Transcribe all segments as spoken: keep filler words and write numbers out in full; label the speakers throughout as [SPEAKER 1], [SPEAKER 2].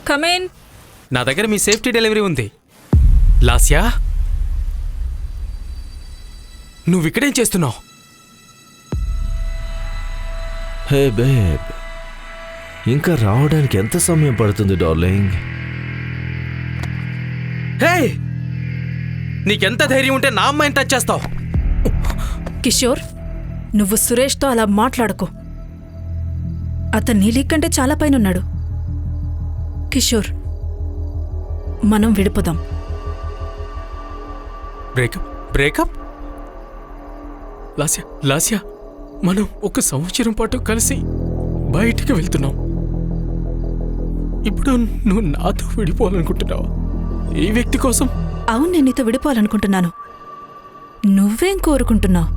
[SPEAKER 1] Come in.
[SPEAKER 2] నా దగ్గర మీ safety delivery ఉంది. లాస్యా, నువ్వు ఇక్కడేం చేస్తున్నావు?
[SPEAKER 3] హే బేబ్, ఇంకా రావడానికి ఎంత సమయం పడుతుంది డార్లింగ్?
[SPEAKER 2] హే, నీకెంత ధైర్యం ఉంటే నా అమ్మాయిని టచ్ చేస్తావు?
[SPEAKER 1] కిషోర్, నువ్వు సురేష్తో అలా మాట్లాడుకో. అతను నీ లీగ్ కంటే చాలా పైన ఉన్నాడు. కిషోర్, మనం విడిపోదాం.
[SPEAKER 2] బ్రేకప్ బ్రేకప్ లాస్యా లాస్యా మనం ఒక సంవత్సరం పాటు కలిసి బయటికి వెళ్తున్నాం. ఇప్పుడు నువ్వు నాతో విడిపోవాలనుకుంటున్నావా ఈ వ్యక్తి కోసం?
[SPEAKER 1] అవును, నేను నీతో విడిపోవాలనుకుంటున్నాను. నువ్వేం కోరుకుంటున్నావు?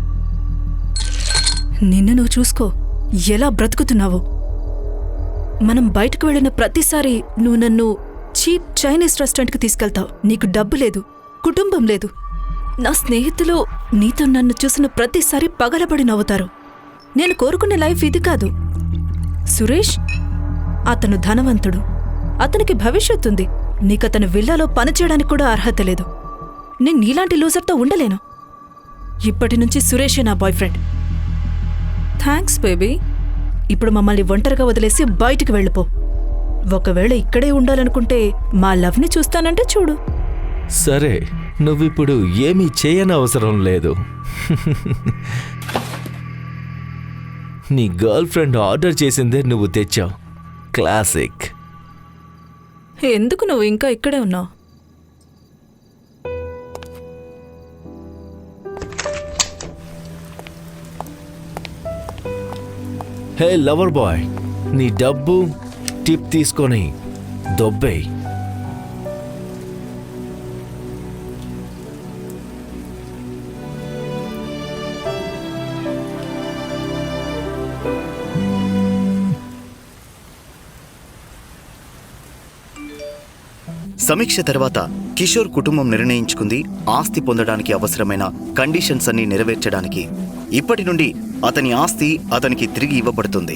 [SPEAKER 1] నిన్ను నువ్వు చూసుకో, ఎలా బ్రతుకుతున్నావు. మనం బయటకు వెళ్ళిన ప్రతిసారి నువ్వు నన్ను చీప్ చైనీస్ రెస్టారెంట్కి తీసుకెళ్తావు. నీకు డబ్బు లేదు, కుటుంబం లేదు. నా స్నేహితులు నీతో నన్ను చూసిన ప్రతిసారి పగలబడి నవ్వుతారు. నేను కోరుకునే లైఫ్ ఇది కాదు. సురేష్ అతను ధనవంతుడు, అతనికి భవిష్యత్తుంది. నీకతను విల్లాలో పనిచేయడానికి కూడా అర్హత లేదు. నేను నీలాంటి లూజర్తో ఉండలేను. ఇప్పటి నుంచి సురేషే నా బాయ్ ఫ్రెండ్. Thanks baby. ఇప్పుడు మమ్మల్ని ఒంటరిగా వదిలేసి బయటికి వెళ్ళిపో. ఒకవేళ ఇక్కడే ఉండాలనుకుంటే మా లవ్ని చూస్తానంటే చూడు.
[SPEAKER 3] సరే, నువ్విప్పుడు ఏమీ చేయని అవసరం లేదు. నీ గర్ల్ ఫ్రెండ్ ఆర్డర్ చేసిందే నువ్వు తెచ్చావు. క్లాసిక్.
[SPEAKER 1] ఎందుకు నువ్వు ఇంకా ఇక్కడే ఉన్నావు?
[SPEAKER 3] హే లవర్ బాయ్, నీ డబ్బు టిప్ తీసుకొని దొబ్బేయ్.
[SPEAKER 4] సమీక్ష తర్వాత కిషోర్ కుటుంబం నిర్ణయించుకుంది ఆస్తి పొందడానికి అవసరమైన కండిషన్స్ అన్ని నెరవేర్చడానికి. ఇప్పటి నుండి అతని ఆస్తి అతనికి తిరిగి ఇవ్వబడుతుంది.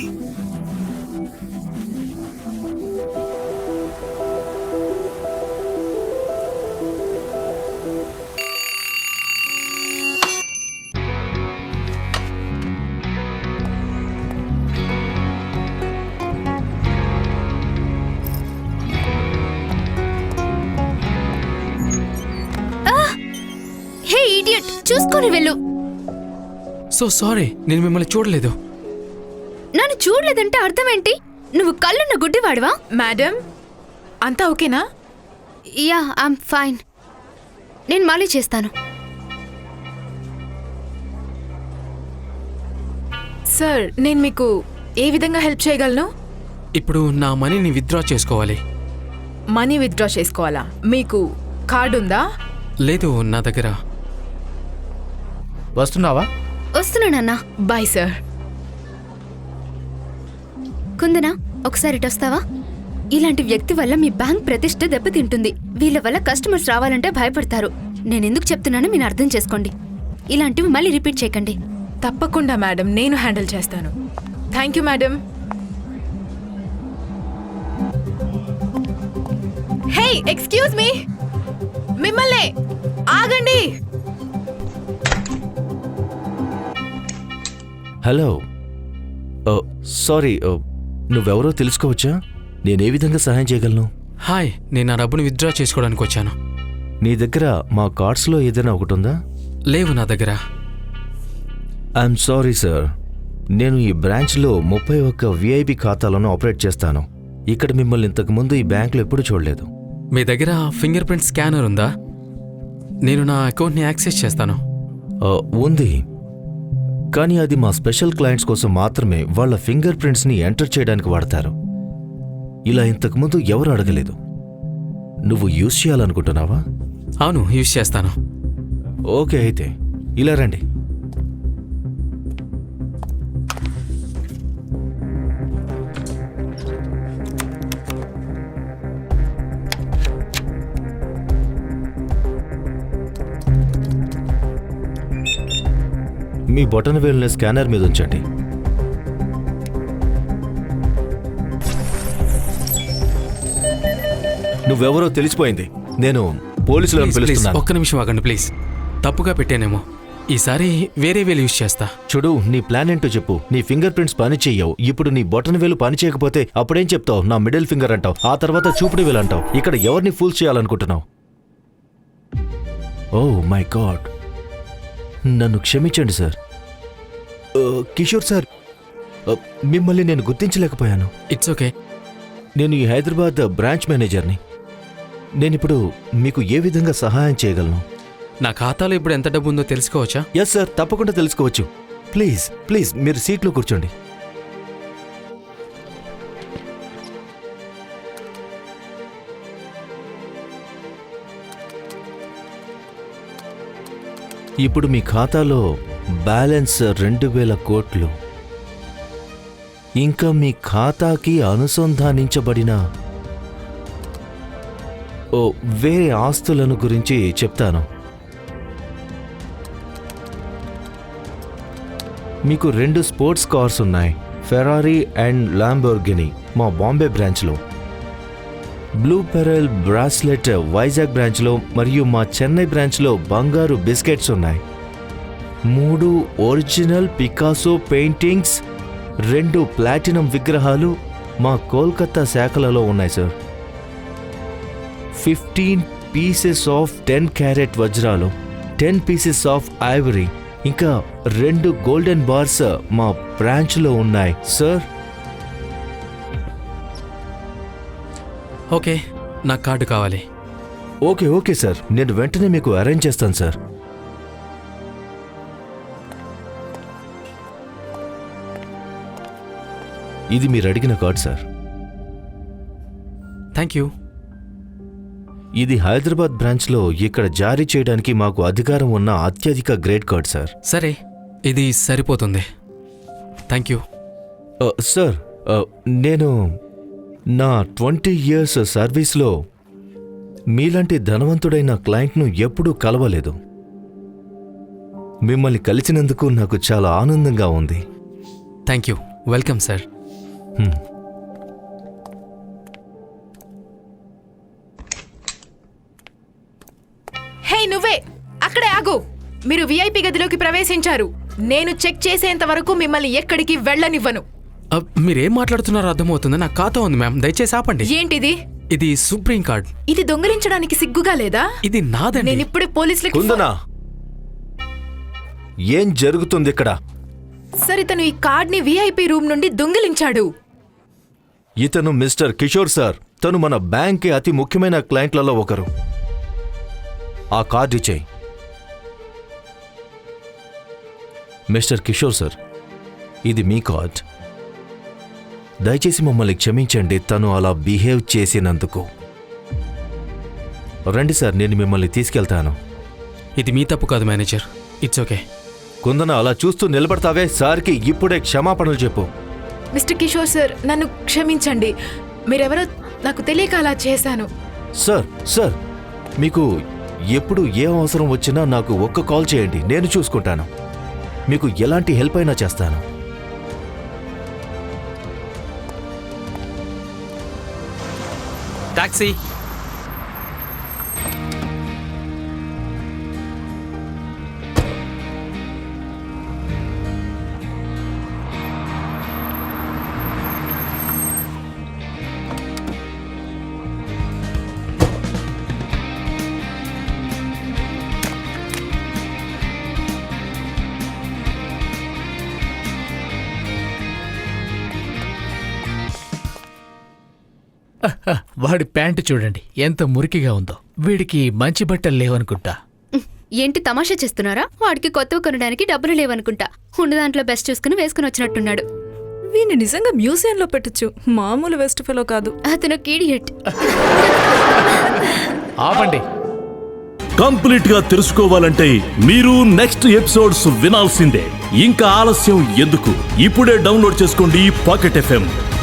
[SPEAKER 5] చూసుకొని వెళ్ళు.
[SPEAKER 2] సో సారీ, నేను మిమ్మల్ని చూడలేదు.
[SPEAKER 5] నన్ను చూడలేదంటే అర్థం ఏంటి? నువ్వు కళ్ళున్న గుడ్డివాడివా?
[SPEAKER 6] మేడం, అంతా ఓకేనా?
[SPEAKER 5] Yeah, I'm fine. నేను మళ్ళీ చేస్తాను.
[SPEAKER 6] సార్, నేను మీకు ఏ విధంగా హెల్ప్ చేయగలను?
[SPEAKER 2] ఇప్పుడు నా మనీని విత్డ్రా చేసుకోవాలి.
[SPEAKER 6] మనీ విత్డ్రా చేసుకోవాలా? మీకు కార్డు ఉందా?
[SPEAKER 2] లేదు నా దగ్గర.
[SPEAKER 7] వస్తున్నావా?
[SPEAKER 5] వస్తున్నానన్నా.
[SPEAKER 6] Bye sir.
[SPEAKER 5] కుందనా, ఒకసారి ఇటు వస్తావా? ఇలాంటి వ్యక్తి వల్ల మీ బ్యాంక్ ప్రతిష్ట దెబ్బతింటుంది. వీళ్ళ వల్ల కస్టమర్స్ రావాలంటే భయపడతారు. నేనెందుకు చెప్తున్నానో మీరు అర్థం చేసుకోండి. ఇలాంటివి మళ్ళీ రిపీట్ చేయకండి.
[SPEAKER 6] తప్పకుండా మేడం, నేను హ్యాండిల్ చేస్తాను. Thank you madam. Hey, excuse me, మిమ్మల్ని ఆగండి.
[SPEAKER 3] హలో, సారీ, నువ్వెవరో తెలుసుకోవచ్చా? నేనే విధంగా సహాయం చేయగలను?
[SPEAKER 2] హాయ్, నేను నా డబ్బుని విత్డ్రా చేసుకోవడానికి వచ్చాను.
[SPEAKER 3] నీ దగ్గర మా కార్డ్స్లో ఏదైనా ఒకటి ఉందా?
[SPEAKER 2] లేవు నా దగ్గర.
[SPEAKER 3] ఐఎమ్ సారీ సార్, నేను ఈ బ్రాంచ్లో ముప్పై ఒక్క విఐపి ఖాతాలను ఆపరేట్ చేస్తాను. ఇక్కడ మిమ్మల్ని ఇంతకుముందు ఈ బ్యాంకులో ఎప్పుడు చూడలేదు.
[SPEAKER 2] మీ దగ్గర ఫింగర్ ప్రింట్ స్కానర్ ఉందా? నేను నా అకౌంట్ని యాక్సెస్ చేస్తాను.
[SPEAKER 3] ఉంది, కానీ అది మా స్పెషల్ క్లయింట్స్ కోసం మాత్రమే వాళ్ళ ఫింగర్ ప్రింట్స్ని ఎంటర్ చేయడానికి వాడతారు. ఇలా ఇంతకుముందు ఎవరు అడగలేదు. నువ్వు యూజ్ చేయాలనుకుంటున్నావా?
[SPEAKER 2] అవును, యూజ్ చేస్తాను.
[SPEAKER 3] ఓకే, అయితే ఇలా రండి. మీ బొటన వేలుని స్కానర్ మీద ఉంచండి. నువ్వెవరో తెలిసిపోయింది. నేను పోలీసులను
[SPEAKER 2] ప్లీజ్, ప్లీజ్,
[SPEAKER 3] పిలుస్తున్నాను.
[SPEAKER 2] ఒక్క నిమిషం ఆగండి ప్లీజ్. తప్పుగా పెట్టానేమో. ఈసారి వేరే వేలు యూజ్ చేస్తా.
[SPEAKER 3] చూడు, నీ ప్లాన్ ఏంటో చెప్పు. నీ ఫింగర్ ప్రింట్స్ పని చెయ్యవు. ఇప్పుడు నీ బొటన వేలు పని చేయకపోతే అప్పుడేం చెప్తావు? నా మిడిల్ ఫింగర్ అంటావు, ఆ తర్వాత చూపుడు వేలు అంటావు. ఇక్కడ ఎవరిని ఫూల్ చేయాలనుకుంటున్నావు? ఓ మై గాడ్, నన్ను క్షమించండి సార్. ఆ, కిషోర్ సార్, ఆ, మిమ్మల్ని నేను గుర్తించలేకపోయాను.
[SPEAKER 2] It's okay.
[SPEAKER 3] నేను ఈ హైదరాబాద్ బ్రాంచ్ మేనేజర్ని. నేనిప్పుడు మీకు ఏ విధంగా సహాయం చేయగలను?
[SPEAKER 2] నా ఖాతాలో ఇప్పుడు ఎంత డబ్బు ఉందో తెలుసుకోవచ్చా?
[SPEAKER 3] ఎస్ సార్, తప్పకుండా తెలుసుకోవచ్చు. ప్లీజ్ ప్లీజ్ మీరు సీట్లో కూర్చోండి. ఇప్పుడు మీ ఖాతాలో బ్యాలెన్స్ రెండు వేల కోట్లు. ఇంకా మీ ఖాతాకి అనుసంధానించబడిన ఓ వేరే ఆస్తులను గురించి చెప్తాను. మీకు రెండు స్పోర్ట్స్ కార్స్ ఉన్నాయి, ఫెరారీ అండ్ ల్యాంబోర్గిని మా బాంబే బ్రాంచ్లో, బ్లూ పెరల్ బ్రాస్లెట్ వైజాగ్ బ్రాంచ్లో, మరియు మా చెన్నై బ్రాంచ్లో బంగారు బిస్కెట్స్ ఉన్నాయి. మూడు ఒరిజినల్ పికాసో పెయింటింగ్స్, రెండు ప్లాటినం విగ్రహాలు మా కోల్కతా శాఖలలో ఉన్నాయి sir. Fifteen pieces of ten carat వజ్రాలు, టెన్ పీసెస్ ఆఫ్ ఐవరీ, ఇంకా రెండు గోల్డెన్ బార్స్ మా బ్రాంచ్లో ఉన్నాయి సార్.
[SPEAKER 2] ఓకే, నాకు కార్డు కావాలి.
[SPEAKER 3] ఓకే ఓకే సార్, నేను వెంటనే మీకు అరేంజ్ చేస్తాను సార్. ఇది మీరు అడిగిన కార్డ్ సార్.
[SPEAKER 2] Thank you.
[SPEAKER 3] ఇది హైదరాబాద్ బ్రాంచ్లో ఇక్కడ జారీ చేయడానికి మాకు అధికారం ఉన్న అత్యధిక గ్రేడ్ కార్డ్ సార్.
[SPEAKER 2] సరే, ఇది సరిపోతుంది. Thank you.
[SPEAKER 3] ఆ, సార్, ఆ, నేను నా ట్వంటీ ఇయర్స్ సర్వీస్లో మీలాంటి ధనవంతుడైన క్లయింట్ను ఎప్పుడూ కలవలేదు. మిమ్మల్ని కలిసినందుకు నాకు చాలా ఆనందంగా ఉంది.
[SPEAKER 2] Thank you. Welcome sir.
[SPEAKER 3] Hmm.
[SPEAKER 6] Hey నువ్వే అక్కడే ఆగు. మీరు విఐపి గదిలోకి ప్రవేశించారు. నేను చెక్ చేసేంత వరకు మిమ్మల్ని ఎక్కడికి వెళ్ళనివ్వను.
[SPEAKER 2] అబ్, మీరేం మాట్లాడుతున్నారో అర్థమవుతుంది. నాకు ఖాతా ఉంది మ్యామ్, దయచేసి ఆపండి.
[SPEAKER 6] ఏంటిది?
[SPEAKER 2] ఇది సుప్రీం కార్డ్.
[SPEAKER 6] ఇది దొంగిలించడానికి సిగ్గుగా లేదా?
[SPEAKER 2] ఇది నాదండి.
[SPEAKER 6] నేను ఇప్పుడే పోలీసులకి
[SPEAKER 3] కుందనా, ఏం జరుగుతుంది ఇక్కడ?
[SPEAKER 6] సరే, తను ఈ కార్డ్ ని విఐపి రూమ్ నుండి దొంగిలించాడు.
[SPEAKER 3] ఇతను మిస్టర్ కిషోర్ సార్. తను మన బ్యాంక్కి అతి ముఖ్యమైన క్లయింట్లలో ఒకరు. ఆ కార్డు ఇచ్చేయి. మిస్టర్ కిషోర్ సార్, ఇది మీ కార్డ్. దయచేసి మమ్మల్ని క్షమించండి తను అలా బిహేవ్ చేసినందుకు. రండి సార్, నేను మిమ్మల్ని తీసుకెళ్తాను.
[SPEAKER 2] ఇది మీ తప్పు కాదు మేనేజర్. It's okay.
[SPEAKER 3] కుందన, అలా చూస్తూ నిలబడతావే? సార్కి ఇప్పుడే క్షమాపణలు చెప్పు.
[SPEAKER 6] మిస్టర్ కిషోర్ సార్, నన్ను క్షమించండి. మీరెవరో నాకు తెలియక అలా చేశాను.
[SPEAKER 3] సార్ సార్ మీకు ఎప్పుడు ఏ అవసరం వచ్చినా నాకు ఒక్క కాల్ చేయండి, నేను చూసుకుంటాను. మీకు ఎలాంటి హెల్ప్ అయినా చేస్తాను.
[SPEAKER 2] టాక్సీ.
[SPEAKER 7] వాడి ప్యాంటు చూడండి ఎంత మురికిగా ఉందో. వీడికి మంచి బట్టలు లేవనుకుంటా.
[SPEAKER 5] ఏంటి తమాషా చేస్తున్నారా? వాడికి కొత్తవి కొనడానికి డబ్బులు లేవనుకుంటా. ఉన్న దాంట్లో బెస్ట్ చూసుకుని వేసుకుని వచ్చినట్టున్నాడు.
[SPEAKER 1] వీని నిజంగా మ్యూజియంలో పెట్టచ్చు. మామూలు వెస్ట్ ఫెలో కాదు.
[SPEAKER 5] అతను కీడియట్.
[SPEAKER 7] ఆపండి.
[SPEAKER 8] కంప్లీట్ గా తెలుసుకోవాలంటే మీరు నెక్స్ట్ ఎపిసోడ్స్ వినాల్సిందే. ఇంకా ఆలస్యం ఎందుకు? ఇప్పుడే డౌన్లోడ్ చేసుకోండి పాకెట్ ఎఫ్ఎం.